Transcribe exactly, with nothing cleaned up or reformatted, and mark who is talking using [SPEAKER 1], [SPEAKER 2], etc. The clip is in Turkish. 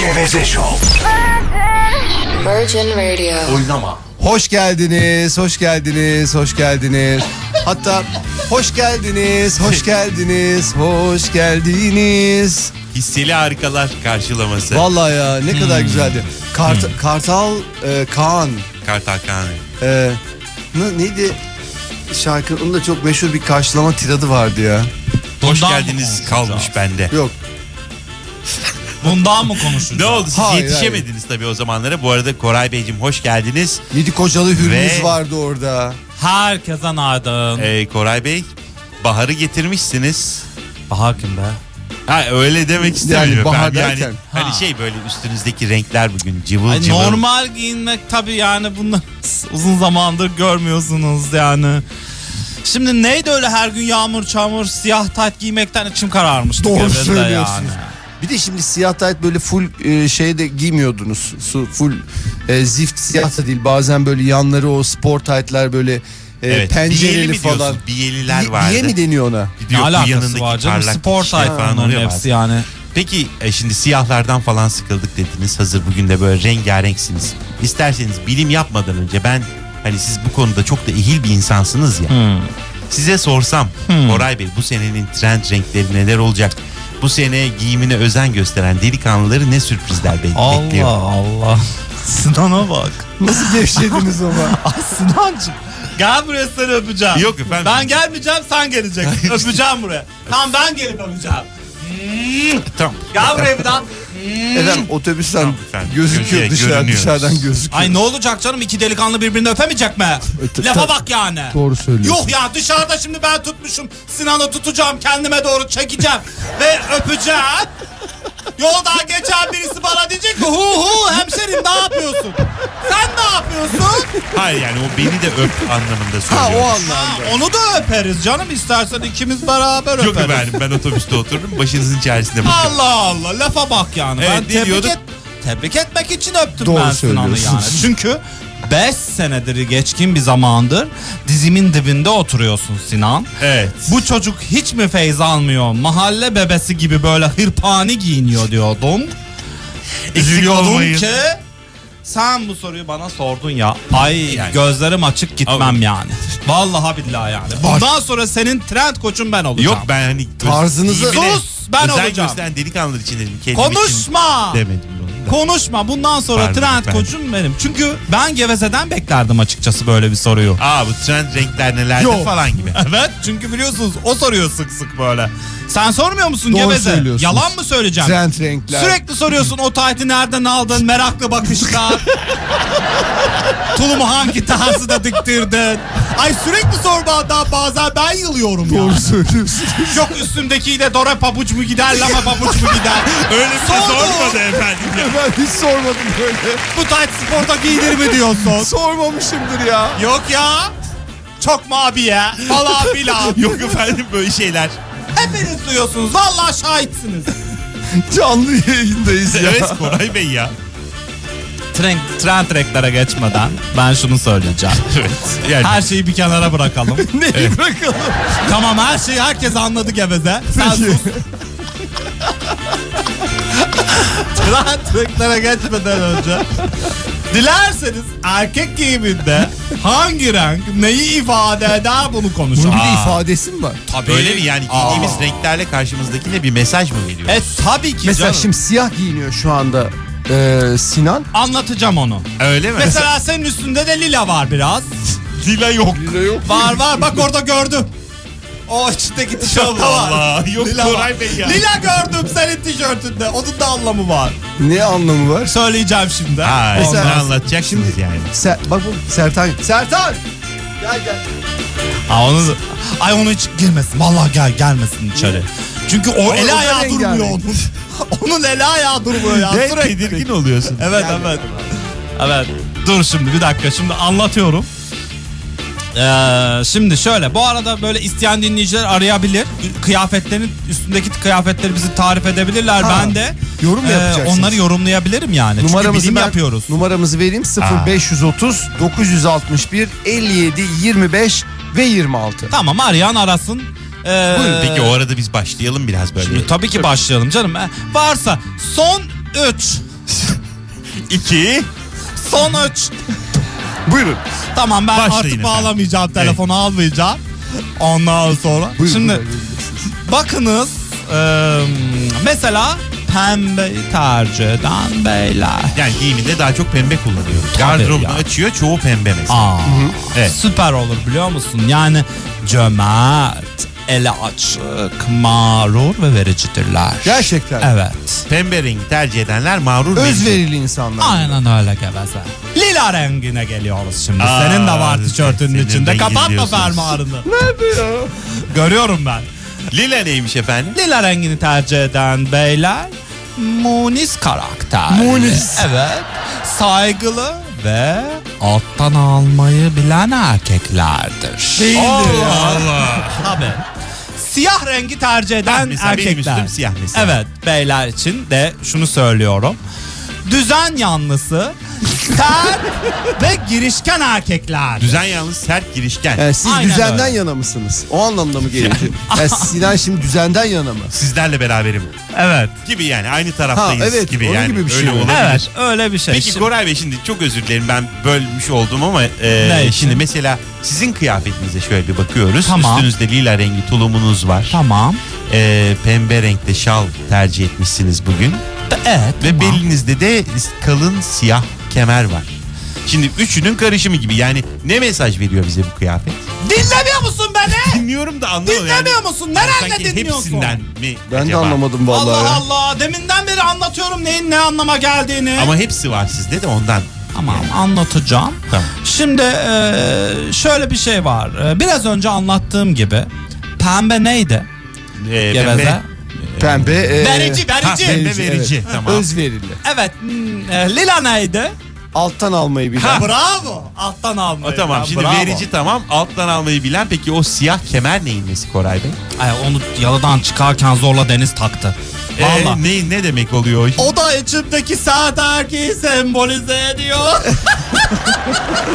[SPEAKER 1] Geveze Show.
[SPEAKER 2] Virgin Radio.
[SPEAKER 1] Oynama.
[SPEAKER 3] Hoş geldiniz, hoş geldiniz, hoş geldiniz. Hatta hoş geldiniz, hoş geldiniz, hoş geldiniz.
[SPEAKER 4] Hisseli harikalar karşılaması.
[SPEAKER 3] Vallahi ya ne kadar
[SPEAKER 4] Hmm.
[SPEAKER 3] güzeldi. Kart,
[SPEAKER 4] Hmm.
[SPEAKER 3] Kartal e, Kaan.
[SPEAKER 4] Kartal Kaan.
[SPEAKER 3] E, ne, neydi şarkı? Onun da çok meşhur bir karşılama tiradı vardı ya.
[SPEAKER 4] Hoş
[SPEAKER 5] Bundan
[SPEAKER 4] geldiniz
[SPEAKER 5] mı
[SPEAKER 4] kalmış
[SPEAKER 5] konuşacağız?
[SPEAKER 4] bende.
[SPEAKER 3] Yok.
[SPEAKER 5] Bundan mı konuşacağız?
[SPEAKER 4] Ne oldu siz
[SPEAKER 3] Hayır,
[SPEAKER 4] yetişemediniz tabii o zamanlara. Bu arada Koray Beyciğim hoş geldiniz.
[SPEAKER 3] Yedi kocalı Hürmüz
[SPEAKER 4] Ve-
[SPEAKER 3] vardı orada.
[SPEAKER 5] Herkese naydın.
[SPEAKER 4] Ee, Koray Bey Bahar'ı getirmişsiniz.
[SPEAKER 5] Bahar kim be?
[SPEAKER 4] Ha öyle demek istemiyorum.
[SPEAKER 3] Yani bahar
[SPEAKER 4] efendim. Yani
[SPEAKER 3] derken.
[SPEAKER 4] hani
[SPEAKER 5] Ha.
[SPEAKER 4] şey böyle üstünüzdeki renkler bugün cıvıl
[SPEAKER 5] Ay,
[SPEAKER 4] cıvıl.
[SPEAKER 5] normal giyinmek tabii yani bunu uzun zamandır görmüyorsunuz yani. Şimdi neydi öyle her gün yağmur çamur siyah tayt giymekten içim kararmıştı.
[SPEAKER 3] Doğru
[SPEAKER 5] Gevez'de
[SPEAKER 3] söylüyorsunuz.
[SPEAKER 5] yani.
[SPEAKER 3] Bir de şimdi siyah tayt böyle full e, şeyde giymiyordunuz. Su full e, zift siyah da değil. Bazen böyle yanları o spor taytlar böyle e,
[SPEAKER 4] Evet,
[SPEAKER 3] pencereli
[SPEAKER 4] biyeli mi
[SPEAKER 3] falan.
[SPEAKER 4] diyorsun? Biyeliler
[SPEAKER 3] Biye-
[SPEAKER 4] vardı.
[SPEAKER 3] Biye mi deniyor ona?
[SPEAKER 4] Bir de
[SPEAKER 5] Ne
[SPEAKER 4] yok, bu
[SPEAKER 5] alakası
[SPEAKER 4] yanındaki
[SPEAKER 5] var canım,
[SPEAKER 4] parlak
[SPEAKER 5] spor
[SPEAKER 4] şey
[SPEAKER 5] tayt
[SPEAKER 4] falan
[SPEAKER 5] bunların
[SPEAKER 4] oluyor
[SPEAKER 5] hepsi
[SPEAKER 4] bazen.
[SPEAKER 5] yani.
[SPEAKER 4] Peki e, şimdi siyahlardan falan sıkıldık dediniz. Hazır bugün de böyle rengarenksiniz. İsterseniz bilim yapmadan önce ben hani siz bu konuda çok da ehil bir insansınız ya.
[SPEAKER 5] Hmm.
[SPEAKER 4] Size sorsam
[SPEAKER 5] Hmm.
[SPEAKER 4] Koray Bey bu senenin trend renkleri neler olacak? Bu sene giyimine özen gösteren delikanlıları ne sürprizler be-
[SPEAKER 5] Allah
[SPEAKER 4] bekliyor?
[SPEAKER 5] Allah. Sinan'a bak.
[SPEAKER 3] Nasıl gevşediniz ama?
[SPEAKER 5] Ay Sinancığım. Gel buraya seni öpeceğim.
[SPEAKER 4] Yok efendim.
[SPEAKER 5] Ben gelmeyeceğim sen geleceksin. Öpeceğim buraya. Tamam ben gelip öpeceğim. Hmm.
[SPEAKER 4] Tamam.
[SPEAKER 5] Gel buraya bir daha.
[SPEAKER 3] Efendim otobüsten
[SPEAKER 4] Tamam efendim.
[SPEAKER 3] gözüküyor
[SPEAKER 4] Görüyor-
[SPEAKER 3] dışarı,
[SPEAKER 4] görünüyoruz.
[SPEAKER 3] dışarıdan gözüküyor.
[SPEAKER 5] Ay ne olacak canım, iki delikanlı birbirini öpemeyecek mi?
[SPEAKER 3] Öte-
[SPEAKER 5] Lafa
[SPEAKER 3] ta-
[SPEAKER 5] bak yani.
[SPEAKER 3] Doğru söylüyorsun.
[SPEAKER 5] Yuh ya, dışarıda şimdi ben tutmuşum. Sinan'ı tutacağım, kendime doğru çekeceğim ve öpeceğim. Yoldan geçen birisi bana diyecek ki hu hu hemşerim ne yapıyorsun? Sen ne yapıyorsun?
[SPEAKER 4] Hayır yani o beni de öp anlamında
[SPEAKER 3] Ha
[SPEAKER 4] söylüyorum.
[SPEAKER 3] o
[SPEAKER 5] Ha,
[SPEAKER 3] anlamda.
[SPEAKER 5] onu da öperiz canım, istersen ikimiz beraber
[SPEAKER 4] Yok
[SPEAKER 5] öperiz.
[SPEAKER 4] efendim ben otobüste oturdum başınızın çaresine bakın.
[SPEAKER 5] Allah Allah, lafa bak yani.
[SPEAKER 4] Evet,
[SPEAKER 5] ben
[SPEAKER 4] ne
[SPEAKER 5] tebrik,
[SPEAKER 4] diyorduk?
[SPEAKER 5] et, tebrik etmek için öptüm
[SPEAKER 3] Doğru
[SPEAKER 5] ben Sinan'ı yani.
[SPEAKER 3] söylüyorsunuz.
[SPEAKER 5] Çünkü beş senedir geçkin bir zamandır dizimin dibinde oturuyorsun Sinan.
[SPEAKER 4] Evet.
[SPEAKER 5] Bu çocuk hiç mi feyz almıyor? Mahalle bebesi gibi böyle hırpani giyiniyor diyordum. Üzülüyordum
[SPEAKER 4] olmayın.
[SPEAKER 5] ki sen bu soruyu bana sordun ya. Ay
[SPEAKER 4] Yani.
[SPEAKER 5] gözlerim açık gitmem
[SPEAKER 4] Ama-
[SPEAKER 5] yani. Vallahi billahi yani. Bundan sonra senin trend koçun ben olacağım.
[SPEAKER 4] Yok ben hani
[SPEAKER 3] Tarzınızı-
[SPEAKER 4] giyimine
[SPEAKER 5] Sus, ben
[SPEAKER 4] özen
[SPEAKER 5] olacağım.
[SPEAKER 4] gösteren delikanlılar için dedim. Kendim
[SPEAKER 5] Konuşma.
[SPEAKER 4] için demedim bunu da.
[SPEAKER 5] Konuşma. Bundan sonra
[SPEAKER 4] Pardon
[SPEAKER 5] trend
[SPEAKER 4] efendim.
[SPEAKER 5] koçum benim. Çünkü ben Geveze'den beklerdim açıkçası böyle bir soruyu.
[SPEAKER 4] Aa bu trend renkler nelerdir
[SPEAKER 3] Yok.
[SPEAKER 4] falan gibi.
[SPEAKER 5] Evet, çünkü biliyorsunuz o soruyor sık sık böyle. Sen sormuyor musun
[SPEAKER 3] Doğru
[SPEAKER 5] Geveze?
[SPEAKER 3] söylüyorsunuz.
[SPEAKER 5] Yalan mı söyleyeceğim?
[SPEAKER 3] Trend renkler.
[SPEAKER 5] Sürekli soruyorsun o taytı nereden aldın, meraklı bakışlar. Tulumu hangi tarzda diktirdin? Ay sürekli sormadan bazen ben yılıyorum
[SPEAKER 3] Doğru
[SPEAKER 5] yani.
[SPEAKER 3] söylüyorsunuz.
[SPEAKER 5] Yok üstümdekiyle dore pabuç mu gider, lama pabuç mu gider?
[SPEAKER 4] Öyle bir şey
[SPEAKER 5] Sordu.
[SPEAKER 4] sormadı efendim ya.
[SPEAKER 3] Ben hiç sormadım böyle.
[SPEAKER 5] Bu tayt sporda giyilir mi diyorsun?
[SPEAKER 3] Sormamışımdır ya.
[SPEAKER 5] Yok ya. Çok mu abiye? Falan filan.
[SPEAKER 4] Yok efendim böyle şeyler.
[SPEAKER 5] Hepiniz duyuyorsunuz. Vallahi şahitsiniz.
[SPEAKER 3] Canlı yayındayız ya.
[SPEAKER 4] Evet Koray Bey ya.
[SPEAKER 5] Trend, trend renklere geçmeden ben şunu söyleyeceğim.
[SPEAKER 4] Evet. Yani
[SPEAKER 5] Her şeyi bir kenara bırakalım.
[SPEAKER 3] Neyi bırakalım?
[SPEAKER 5] Tamam, her şeyi herkes anladı Geveze. Sen sus. Trend renklere geçmeden önce dilerseniz erkek giyiminde hangi renk neyi ifade eder bunu konuşalım.
[SPEAKER 3] Bunun bir de
[SPEAKER 4] Aa.
[SPEAKER 3] ifadesi mi var?
[SPEAKER 5] Tabii.
[SPEAKER 4] öyle mi yani giydiğimiz renklerle karşımızdakine bir mesaj mı veriyor?
[SPEAKER 5] E tabii ki
[SPEAKER 3] Mesela
[SPEAKER 5] canım.
[SPEAKER 3] şimdi siyah giyiniyor şu anda e, Sinan.
[SPEAKER 5] Anlatacağım onu.
[SPEAKER 4] Öyle mi?
[SPEAKER 5] Mesela senin üstünde de lila var biraz.
[SPEAKER 4] Lila yok.
[SPEAKER 3] yok.
[SPEAKER 5] Var var, bak orada gördüm. O içindeki tişörtte var.
[SPEAKER 4] Allah, yok
[SPEAKER 5] Lila
[SPEAKER 4] Koray
[SPEAKER 5] var.
[SPEAKER 4] Bey ya.
[SPEAKER 5] Lila gördüm senin tişörtünde. Onun da anlamı var.
[SPEAKER 3] Ne anlamı var?
[SPEAKER 5] Söyleyeceğim şimdi.
[SPEAKER 4] Ha,
[SPEAKER 3] Mesela-
[SPEAKER 4] onu anlatacaksınız yani.
[SPEAKER 3] Ser, bak bu Sertan. Sertan! Gel gel.
[SPEAKER 5] Ha, onu, ay onu hiç girmesin. Vallahi gel gelmesin içeri. Çünkü o
[SPEAKER 3] Ama
[SPEAKER 5] eli
[SPEAKER 3] o da
[SPEAKER 5] ayağı
[SPEAKER 3] rengarenk.
[SPEAKER 5] durmuyor onun. Onun eli ayağı durmuyor ya.
[SPEAKER 4] Ne
[SPEAKER 5] Sürekli.
[SPEAKER 4] tedirgin oluyorsun.
[SPEAKER 5] Evet evet. Evet. Dur şimdi bir dakika, şimdi anlatıyorum. Ee, şimdi şöyle, bu arada böyle isteyen dinleyiciler arayabilir. Kıyafetlerin üstündeki kıyafetleri bizi tarif edebilirler.
[SPEAKER 3] Ha,
[SPEAKER 5] Ben de
[SPEAKER 3] yorum mu
[SPEAKER 5] e,
[SPEAKER 3] yapacaksınız?
[SPEAKER 5] onları yorumlayabilirim yani. Çünkü
[SPEAKER 3] Numaramızı
[SPEAKER 5] bilim
[SPEAKER 3] ben-
[SPEAKER 5] yapıyoruz.
[SPEAKER 3] Numaramızı vereyim sıfır beş otuz dokuz altı bir elli yedi yirmi beş ve yirmi altı.
[SPEAKER 5] Tamam, arayan arasın. Ee,
[SPEAKER 4] Buyurun. Peki o arada biz başlayalım biraz böyle.
[SPEAKER 5] Şimdi tabii ki başlayalım canım. E, varsa son üç
[SPEAKER 4] iki.
[SPEAKER 5] Sonuç.
[SPEAKER 3] Buyurun.
[SPEAKER 5] Tamam ben
[SPEAKER 4] Başlayın
[SPEAKER 5] artık
[SPEAKER 4] efendim.
[SPEAKER 5] bağlamayacağım, telefonu almayacağım. Ondan sonra.
[SPEAKER 3] Buyurun,
[SPEAKER 5] Şimdi
[SPEAKER 3] buyurun.
[SPEAKER 5] bakınız e, mesela pembeyi tercih eden beyler.
[SPEAKER 4] Yani giyiminde daha çok pembe kullanıyor.
[SPEAKER 5] Tabii
[SPEAKER 4] Gardırobunu
[SPEAKER 5] ya.
[SPEAKER 4] açıyor, çoğu pembe mesela.
[SPEAKER 5] Aa,
[SPEAKER 4] Evet.
[SPEAKER 5] süper olur biliyor musun? Yani cömert, ele açık, mağrur ve vericidirler.
[SPEAKER 3] Gerçekten.
[SPEAKER 5] Evet.
[SPEAKER 4] Pembe rengi tercih edenler mağrur verici.
[SPEAKER 3] Özverili insanlar.
[SPEAKER 5] Aynen öyle geveze. Lila rengine geliyoruz şimdi.
[SPEAKER 4] Aa,
[SPEAKER 5] Senin de var tişörtünün
[SPEAKER 4] senin
[SPEAKER 5] içinde.
[SPEAKER 4] rengi
[SPEAKER 5] Kapatma
[SPEAKER 4] diyorsunuz.
[SPEAKER 5] fermuarını. Nerede ya? Görüyorum ben.
[SPEAKER 4] Lila neymiş efendim?
[SPEAKER 5] Lila rengini tercih eden beyler munis karakterli.
[SPEAKER 3] Munis.
[SPEAKER 5] Evet. Saygılı ve alttan almayı bilen erkeklerdir.
[SPEAKER 3] Değildir ya.
[SPEAKER 4] Allah.
[SPEAKER 5] Tabii. Siyah rengi tercih eden
[SPEAKER 4] Mesela benim
[SPEAKER 5] erkekler.
[SPEAKER 4] üstüm siyah mesela.
[SPEAKER 5] Evet, beyler için de şunu söylüyorum. Düzen yanlısı, sert ve girişken erkekler.
[SPEAKER 4] Düzen yalnız sert girişken.
[SPEAKER 3] Yani siz
[SPEAKER 5] Aynen
[SPEAKER 3] düzenden
[SPEAKER 5] öyle.
[SPEAKER 3] yana mısınız? O anlamda mı geliyor? Yani Sinan şimdi düzenden yana mı?
[SPEAKER 4] Sizlerle beraberim
[SPEAKER 5] Evet.
[SPEAKER 4] gibi yani aynı taraftayız
[SPEAKER 3] Ha, evet,
[SPEAKER 4] gibi
[SPEAKER 3] onun
[SPEAKER 4] yani.
[SPEAKER 3] gibi bir şey
[SPEAKER 4] Öyle
[SPEAKER 3] mi?
[SPEAKER 4] olabilir.
[SPEAKER 5] Evet, öyle bir şey.
[SPEAKER 4] Peki
[SPEAKER 5] Şimdi-
[SPEAKER 4] Koray Bey, şimdi çok özür dilerim ben bölmüş oldum ama e,
[SPEAKER 5] Ne için?
[SPEAKER 4] şimdi mesela sizin kıyafetinize şöyle bir bakıyoruz.
[SPEAKER 5] Tamam.
[SPEAKER 4] Üstünüzde lila rengi tulumunuz var.
[SPEAKER 5] Tamam.
[SPEAKER 4] E, pembe renkte şal tercih etmişsiniz bugün.
[SPEAKER 5] Evet.
[SPEAKER 4] Ve
[SPEAKER 5] tamam.
[SPEAKER 4] belinizde de kalın siyah kemer var. Şimdi üçünün karışımı gibi, yani ne mesaj veriyor bize bu kıyafet?
[SPEAKER 5] Dinlemiyor musun beni?
[SPEAKER 4] Dinliyorum da anlamıyorum.
[SPEAKER 5] Dinlemiyor musun? Nerede
[SPEAKER 4] Sanki
[SPEAKER 5] dinliyorsun?
[SPEAKER 4] hepsinden mi
[SPEAKER 3] Ben
[SPEAKER 4] acaba?
[SPEAKER 3] de anlamadım vallahi.
[SPEAKER 5] Allah
[SPEAKER 3] ya.
[SPEAKER 5] Allah. Deminden beri anlatıyorum neyin ne anlama geldiğini.
[SPEAKER 4] Ama hepsi var sizde de ondan.
[SPEAKER 5] Tamam, anlatacağım.
[SPEAKER 4] Tamam.
[SPEAKER 5] Şimdi e, şöyle bir şey var. E, Biraz önce anlattığım gibi pembe neydi?
[SPEAKER 4] Ee,
[SPEAKER 5] Geveze.
[SPEAKER 3] Pembe. e,
[SPEAKER 5] Verici,
[SPEAKER 4] Ha,
[SPEAKER 5] verici.
[SPEAKER 4] pembe verici.
[SPEAKER 3] evet.
[SPEAKER 4] Tamam.
[SPEAKER 3] Özverili.
[SPEAKER 5] Evet. hmm, e, Lila neydi?
[SPEAKER 3] Alttan almayı bilen.
[SPEAKER 4] Ha.
[SPEAKER 5] Bravo. Alttan almayı.
[SPEAKER 4] O, tamam
[SPEAKER 5] Ya,
[SPEAKER 4] şimdi
[SPEAKER 5] bravo.
[SPEAKER 4] verici tamam, alttan almayı bilen. Peki o siyah kemer neyin nesi Koray Bey?
[SPEAKER 5] Ay, onu yalıdan çıkarken zorla Deniz taktı.
[SPEAKER 4] Ee,
[SPEAKER 5] Vallahi.
[SPEAKER 4] ne, ne demek oluyor?
[SPEAKER 5] O da içimdeki sert erkeği sembolize ediyor.